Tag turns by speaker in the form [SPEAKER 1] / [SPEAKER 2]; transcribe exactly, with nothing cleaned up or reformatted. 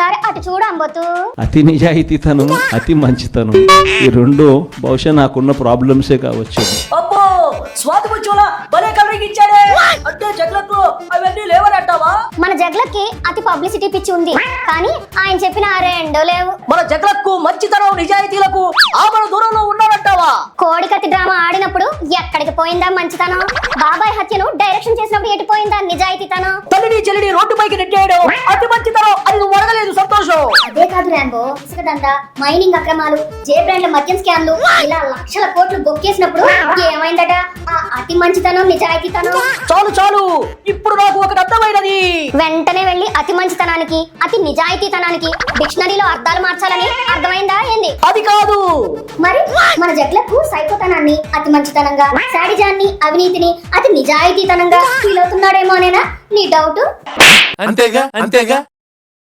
[SPEAKER 1] ఒకసారి అటు చూడు అంబోతు.
[SPEAKER 2] అతి నిజాయితీతనం, అతి మంచితనం, ఈ రెండు బహుశా నాకున్న ప్రాబ్లమ్సే కావచ్చు.
[SPEAKER 3] అబ్బో స్వాతి ముచ్చోలా భలే కవరింగ్ ఇచ్చాడే. అంటే జగ్లకు అవన్నీ లేవనంటావా?
[SPEAKER 1] మన జగ్లకి అతి పబ్లిసిటీ పిచ్చి ఉంది, కానీ ఆయన చెప్పిన ఆ రెండో లేవు.
[SPEAKER 3] మన జగ్లకు మంచితనం నిజాయితీలకు ఆమల దూరంలో ఉన్నారంటావా?
[SPEAKER 1] కోడికత్తి డ్రామా ఆడినప్పుడు ఎక్కడికి పోయిందా మంచితనం? బాబాయ్ హత్యను డైరెక్షన్ చేసినప్పుడు ఎటు పోయిందా నిజాయితీతనం?
[SPEAKER 3] తల్లిని చెల్లిని రోడ్డు పైకి నెట్టేయడం అతి మంచితనం అని నువ్వు అడగలేదు సంతోషం.
[SPEAKER 1] అదే కాదు రాంబో, ఇసుక దందా, మైనింగ్ అక్రమాలు, జే బ్రాండ్ల మద్యం స్కామ్లు, ఇలా లక్షల కోట్లు బొక్కేసినప్పుడు ఏమైందట ఆ అతి మంచితనం నిజాయితీతనం?
[SPEAKER 3] చాలు చాలు, ఇప్పుడు నాకు ఒకటి అర్థమైనది.
[SPEAKER 1] వెంటనే వెళ్లి అతి మంచితనానికి అతి నిజాయితీతనానికి డిక్షనరీలో అర్థాలు మార్చాలని అర్థమైందా ఏంది?
[SPEAKER 3] అది కాదు
[SPEAKER 1] మరి మన జగ్లకు సైకోతనాన్ని అతి మంచితనంగా, శాడిజాన్ని అవినీతిని అతి నిజాయితీతనంగా ఫీల్ అవుతున్నాడేమోనేనా నీ డౌట్?
[SPEAKER 4] అంతేగా అంతేగా